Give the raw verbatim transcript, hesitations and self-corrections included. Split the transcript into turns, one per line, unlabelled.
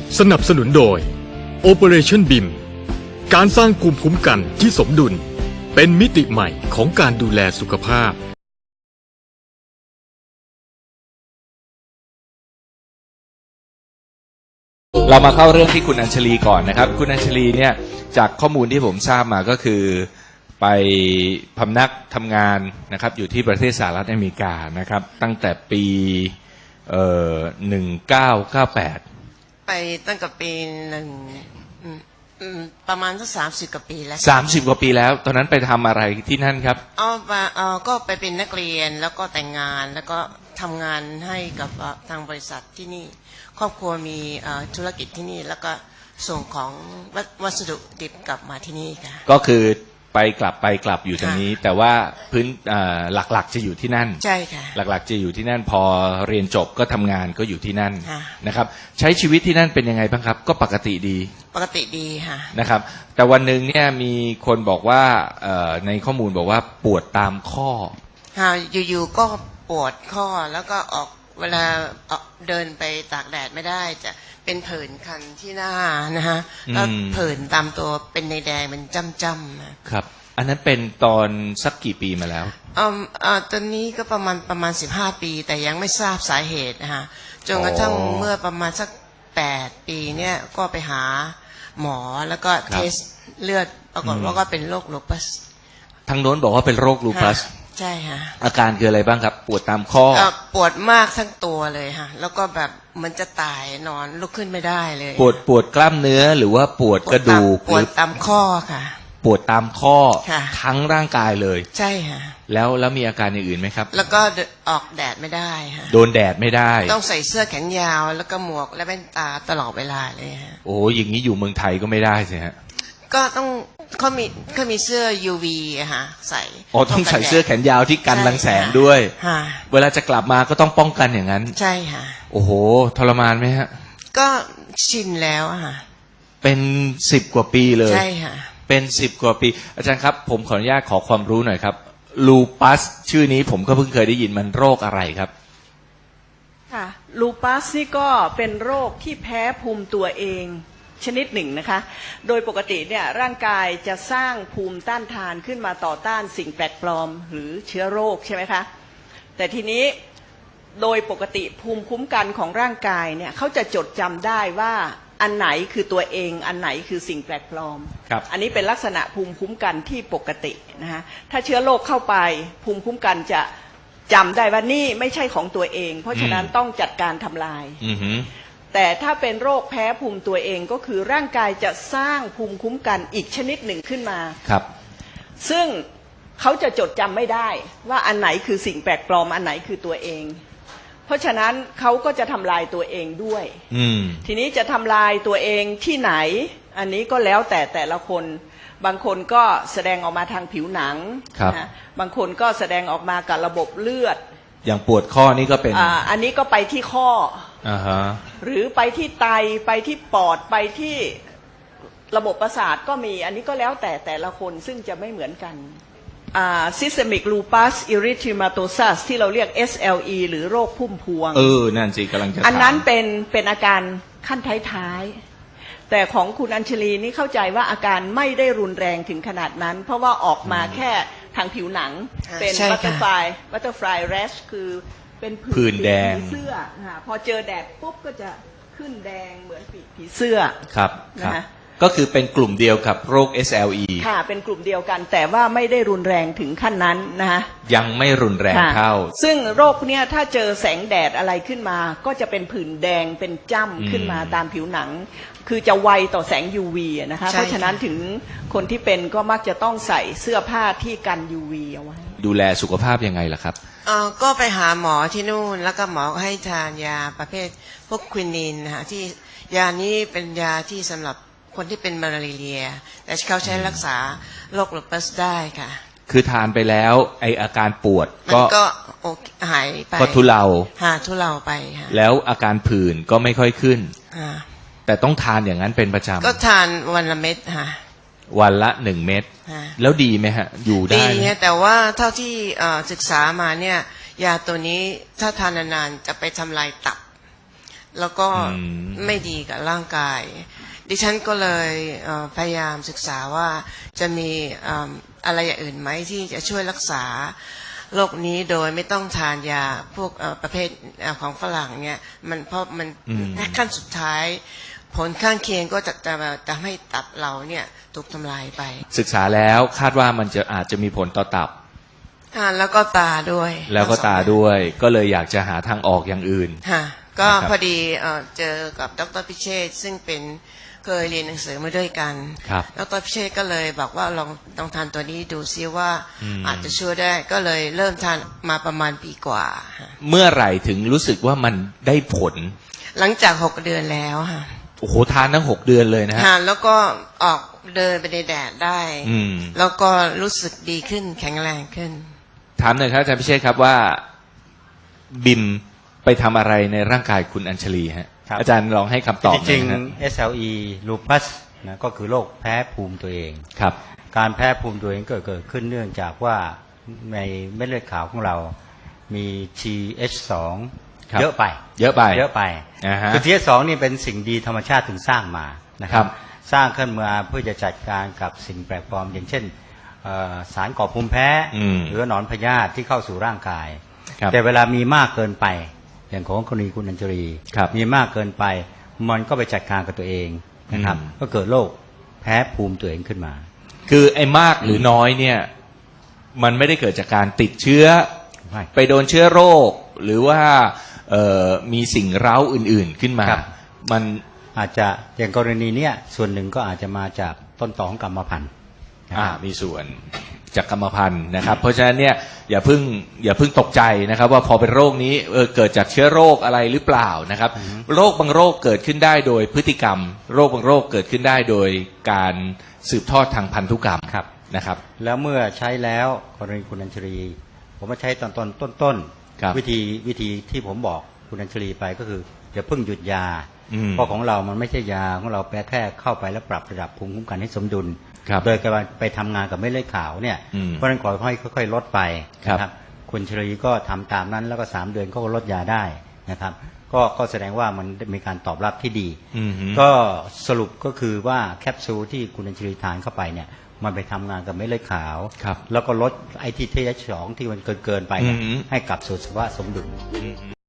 สนับสนุนโดย Operation บี ไอ เอ็ม การสร้างภูมิคุ้มกันที่สมดุลเป็นมิติใหม่ของการดูแลสุขภาพ
เรามาเข้าเรื่องที่คุณอัญชลีก่อนนะครับคุณอัญชลีเนี่ยจากข้อมูลที่ผมทราบมาก็คือไปพำนักทำงานนะครับอยู่ที่ประเทศสหรัฐอเมริกานะครับตั้งแต่ปีเอ่อหนึ่งเก้าเก้าแปด
ไปตั้งแต่ปีหนึ่งประมาณสักสามสิบกว่าปีแล้ว
สามสิบกว่าปีแล้วตอนนั้นไปทำอะไรที่นั่นครับ
อ๋อมาเออก็ไปเป็นนักเรียนแล้วก็แต่งงานแล้วก็ทำงานให้กับทางบริษัทที่นี่ครอบครัวมีธุรกิจที่นี่แล้วก็ส่งของวัสดุดิบกลับมาที่นี่ค่ะ
ก็คือไปกลับไปกลับอยู่ตรงนี้แต่ว่าพื้นหลักๆจะอยู่ที่นั่น
ใช่ค่ะ
หลักๆจะอยู่ที่นั่นพอเรียนจบก็ทำงานก็อยู่ที่นั่นนะครับใช้ชีวิตที่นั่นเป็นยังไงบ้างครับก็ปกติดี
ปกติดีค่ะ
นะครับแต่วันหนึ่งเนี่ยมีคนบอกว่าในข้อมูลบอกว่าปวดตามข้อ
ค่ะอยู่ๆก็ปวดข้อแล้วก็ออกเวลาเดินไปตากแดดไม่ได้จะเป็นผื่นคันที่หน้านะฮะแล้วผื่นตามตัวเป็นในแดงเป็นจ้ำๆ
ครับอันนั้นเป็นตอนสักกี่ปีมาแล้ว
อ่าอ่าตอนนี้ก็ประมาณประมาณสิบห้าปีแต่ยังไม่ทราบสาเหตุนะฮะจนกระทั่งเมื่อประมาณสักแปดปีเนี่ยก็ไปหาหมอแล้วก็เทสเลือดปรากฏว่าก็เป็นโรคลูปัส
ทางโน้นบอกว่าเป็นโรคลูปัส
ใช่ค่ะ
อาการคืออะไรบ้างครับปวดตามข้อ
ปวดมากทั้งตัวเลยค่ะแล้วก็แบบมันจะตายนอนลุกขึ้นไม่ได้เลย
ปวดปวดกล้ามเนื้อหรือว่าปวดกระดูก
ปวดตามข้อค่ะ
ปวดตามข้อทั้งร่างกายเลย
ใช่ค่ะ
แล้วแล้วมีอาการอย่างอื่นไหมครับ
แล้วก็ออกแดดไม่ได้ค่ะ
โดนแดดไม่ได้
ต้องใส่เสื้อแขนยาวแล้วก็หมวกและแว่นตาตลอดเวลาเลยฮะ
โอ้อย่างนี้อยู่เมืองไทยก็ไม่ได้สิฮะ
ก็ต้องเขามีเขามีเสื้อ ยู วี อะฮะใส่
อ๋อต้องใส่เสื้อแขนยาวที่กันรังแสงด้วยเวลาจะกลับมาก็ต้องป้องกันอย่างนั้น
ใช่ค่ะ
โอ้โหทรมานไหมฮะ
ก็ชินแล้วอะค่ะ
เป็นสิบกว่าปีเลย
ใช่ค่ะ
เป็นสิบกว่าปีอาจารย์ครับผมขออนุญาตขอความรู้หน่อยครับลูปัสชื่อนี้ผมก็เพิ่งเคยได้ยินมันโรคอะไรครับ
ค่ะลูปัสนี่ก็เป็นโรคที่แพ้ภูมิตัวเองชนิดหนึ่งนะคะโดยปกติเนี่ยร่างกายจะสร้างภูมิต้านทานขึ้นมาต่อต้านสิ่งแปลกปลอมหรือเชื้อโรคใช่ไหมคะแต่ทีนี้โดยปกติภูมิคุ้มกันของร่างกายเนี่ยเขาจะจดจำได้ว่าอันไหนคือตัวเองอันไหนคือสิ่งแปลกปลอมอันนี้เป็นลักษณะภูมิคุ้มกันที่ปกตินะคะถ้าเชื้อโรคเข้าไปภูมิคุ้มกันจะจำได้ว่านี่ไม่ใช่ของตัวเองเพราะฉะนั้นต้องจัดการทำลายแต่ถ้าเป็นโรคแพ้ภูมิตัวเองก็คือร่างกายจะสร้างภูมิคุ้มกันอีกชนิดหนึ่งขึ้นมา
ครับ
ซึ่งเขาจะจดจำไม่ได้ว่าอันไหนคือสิ่งแปลกปลอมอันไหนคือตัวเองเพราะฉะนั้นเขาก็จะทำลายตัวเองด้วยทีนี้จะทำลายตัวเองที่ไหนอันนี้ก็แล้วแต่แต่ละคนบางคนก็แสดงออกมาทางผิวหนังนะบางคนก็แสดงออกมากับระบบเลือด
อย่างปวดข้อนี่ก็เป็น
อ่า อันนี้ก็ไปที่ข้อ
อ่าฮะ
หรือไปที่ไตไปที่ปอดไปที่ระบบประสาทก็มีอันนี้ก็แล้วแต่แต่ละคนซึ่งจะไม่เหมือนกันอ่า systemic lupus erythematosus ที่เราเรียก เอส แอล อี หรือโรคพุ่มพวง
เออนั่นสิกำลังจะ
อันนั้นเป็นเป็นอาการขั้นท้ายๆแต่ของคุณอัญชลีนี่เข้าใจว่าอาการไม่ได้รุนแรงถึงขนาดนั้นเพราะว่าออกมาแค่ทางผิวหนังเป็นบัตเตอร์ฟลายบัตเตอร์ฟลายแรชคือเป็น
ผื่นแดง
เสื้อพอเจอแดดปุ๊บก็จะขึ้นแดงเหมือนปีกผีเสื้อ
ครับนะก็คือเป็นกลุ่มเดียวกับโรค เอส แอล อี
ค่ะเป็นกลุ่มเดียวกันแต่ว่าไม่ได้รุนแรงถึงขั้นนั้นนะคะ
ยังไม่รุนแรงเท่า
ซึ่งโรคเนี้ยถ้าเจอแสงแดดอะไรขึ้นมาก็จะเป็นผื่นแดงเป็นจ้ำขึ้นมาตามผิวหนังคือจะไวต่อแสง ยู วี นะคะเพราะฉะนั้นถึงคนที่เป็นก็มักจะต้องใส่เสื้อผ้าที่กัน ยู วี เอาไว้
ดูแลสุขภาพยังไงล่ะครับ
อ๋อก็ไปหาหมอที่นู่นแล้วก็หมอก็ให้ทานยาประเภทพวกควินินนะคะที่ยานี้เป็นยาที่สำหรับคนที่เป็นมาลาเรียแต่เขาใช้รักษาโรคลูปัสได้ค่ะ
คือทานไปแล้วไออาการปวดก็
ก็หายไป
ก็ทุเลา
หาทุเลาไปค่ะ
แล้วอาการผื่นก็ไม่ค่อยขึ้นแต่ต้องทานอย่างนั้นเป็นประจำ
ก็ทานวันละเม็ดค่ะ
วันละหนึ่งเม็ดแล้วดีไหมฮะอยู่ได้
ดีแต่ว่าเท่าที่ศึกษามาเนี่ยยาตัวนี้ถ้าทานนานๆจะไปทำลายตับแล้วก็
อืม
ไม่ดีกับร่างกาย ดิฉันก็เลยเอ่อพยายามศึกษาว่าจะมีเอิ่มอะไรอย่างอื่นไหมที่จะช่วยรักษาโรคนี้โดยไม่ต้องทานยาพวกเอ่อประเภทเอ่อของฝรั่งเนี่ยมันเพราะมัน
อืม
ขั้นสุดท้ายผลข้างเคียงก็จะจะจะให้ตับเราเนี่ยถูกทำลายไป
ศึกษาแล้วคาดว่ามันจะอาจจะมีผลต่อตับ
อ่าแล้วก็ตาด้วย
แล้วก็ตาด้วย ก็เลยอยากจะหาทางออกอย่างอื่น
ค่ะก็
นะครับ
พอดีเอ่อเจอกับดรพิเชษฐ์ซึ่งเป็นเคยเรียนหนังสือมาด้วยกัน
ครับ
ดรพิเชษฐ์ก็เลยบอกว่าลองลองทานตัวนี้ดูซิว่า
อืม
อาจจะช่วยได้ก็เลยเริ่มทานมาประมาณปีกว่าค่ะ
เมื่อไหร่ถึงรู้สึกว่ามันได้ผล
หลังจากหกเดือนแล้วค่ะ
โอ้โหทานทั้งหกเดือนเลยนะฮะ
ทานแล้วก็ออกเดินไปในแดดได้
อืม
แล้วก็รู้สึกดีขึ้นแข็งแรงขึ้น
ถามหน่อยครับอาจารย์พิเชษครับว่าบิมไปทำอะไรในร่างกายคุณอัญชลีฮะ
ครับ
อาจารย์ลองให้คำตอบห
จ
น่
ริ
อย
ง
นะฮะ
ๆ เอส แอล อี lupus นะก็คือโรคแพ้ภูมิตัวเอง
ครับ
การแพ้ภูมิตัวเองเกิดเกิดขึ้นเนื่องจากว่าในเม็ดเลือดขาวของเรามี ที เอช สอง
ครับ
เยอะไป
เยอะไป
เยอะไป
อ่าฮะ
คือ ที เอช สอง นี่เป็นสิ่งดีธรรมชาติถึงสร้างมานะค
ครั
รับ
บ
สร้างขึ้นมาเพื่อจะจัดการกับสิ่งแปลกปลอม อย่างเช่นเอ่อสารก่อภูมิแพ้
อืม
หรือหนอนพยาธิที่เข้าสู่ร่างกาย
ครับ
แต่เวลามีมากเกินไป อย่างของกรณีคุณอัญชลี
ครับ
มีมากเกินไป มันก็ไปจัดการกับตัวเองนะครับ
อืม
ก็เกิดโรคแพ้ภูมิตัวเองขึ้นมา
คือไอ้มากหรือน้อยเนี่ย มันไม่ได้เกิดจากการติดเชื้อ
ไม่
ไปโดนเชื้อโรค หรือว่าเอ่อมีสิ่งเร้าอื่น ๆขึ้นมา
ครับ
มัน
อาจจะอย่างกรณีเนี้ยส่วนหนึ่งก็อาจจะมาจากต้นตอของกรรมพันธุ์นะ
อ่า
ครับ
มีส่วนจากกรรมพันธุ์นะครับ เพราะฉะนั้นเนี่ยอย่าเพิ่งอย่าเพิ่งตกใจนะครับ ว่าพอเป็นโรคนี้เออเกิดจากเชื้อโรคอะไรหรือเปล่านะครับ โรคบางโรคเกิดขึ้นได้โดยพฤติกรรม โรคบางโรคเกิดขึ้นได้โดยการสืบทอดทางพันธุกรรม
ครับ
นะครับ
แล้วเมื่อใช้แล้วกรณีคุณอัญชลี ผมมาใช้ตอนต้นต้นต้น
ครับ
วิธีวิธีที่ผมบอกคุณอัญชลีไปก็คืออย่าเพิ่งหยุดยา
อืม
เพราะของเรามันไม่ใช่ยาของเราแค่แค่เข้าไปแล้วปรับระดับภูมิคุ้มกันให้สมดุล
ครับ
โดยการไปทำงานกับเม็ดเลือดขาวเนี่ย
อืม
เพราะฉะนั้นขอให้ค่อยๆลดไป
ครับ
นะคุณชลีก็ทำตามนั้นแล้วก็สามเดือนก็ลดยาได้นะครับ ก็ก็แสดงว่ามันมีการตอบรับที่ดี
อืมฮึ
ก็สรุปก็คือว่าแคปซูลที่คุณอัญชลีทานเข้าไปเนี่ยมันไปทำงานกับเม็ดเลือดขาว
ครับ
แล้วก็ลดไอทีเทสองที่มันเกินเกินๆไปเนี่ย
อืม
ให้กลับสู่สภาวะสมดุล
อืม